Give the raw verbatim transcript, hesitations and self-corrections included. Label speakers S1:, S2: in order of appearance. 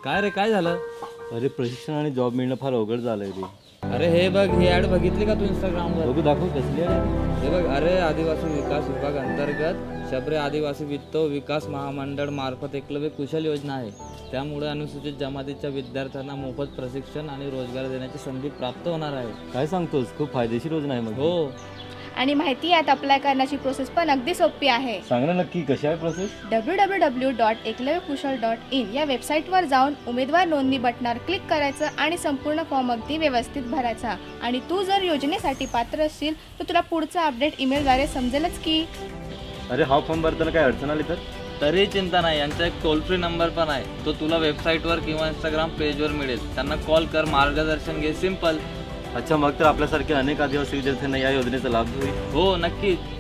S1: काय रे, काय झालं?
S2: अरे प्रशिक्षण आणि जॉब मिळणं फार अवघड झालंय रे.
S1: अरे हे बघ, ही ऍड बघितली का तू इंस्टाग्रामवर?
S2: बघू, दाखव कसली आहे.
S1: हे बघ, अरे आदिवासी विकास विभाग अंतर्गत शबरी आदिवासी वित्त विकास महामंडळ मार्फत एकलव्य कुशल योजना आहे. त्यामुळे अनुसूचित जमातीच्या विद्यार्थ्यांना मोफत प्रशिक्षण आणि रोजगार देण्याची संधी प्राप्त होणार आहे.
S2: काय सांगतोस, खूप फायदेशीर योजना आहे मग.
S1: हो,
S3: आणि माहिती यात अप्लाय करण्याची प्रोसेस पण अगदी सोपी आहे.
S2: सांग ना नक्की कशी आहे process.
S3: W W W dot Eklavya Kushal dot in या वेबसाईटवर जाऊन उमेदवार नोंदणी बटणावर क्लिक करायचं आणि संपूर्ण फॉर्म अगदी व्यवस्थित भरायचा. आणि तू जर योजनेसाठी पात्र असशील तर तुला पुढचा अपडेट ईमेलद्वारे समजेलच की.
S2: अरे हा फॉर्म भरताना काय अडचण आली तर?
S1: तरी चिंता नाही, यांचा एक टोल फ्री नंबर पण आहे. तो तुला वेबसाईटवर किंवा इंस्टाग्राम पेजवर मिळेल. त्यांना कॉल कर, मार्गदर्शन घे. सिंपल.
S2: अच्छा, मग तर आपल्यासारख्या अनेक आदिवासी विद्यार्थ्यांना या योजनेचा लाभ होईल.
S1: हो नक्कीच.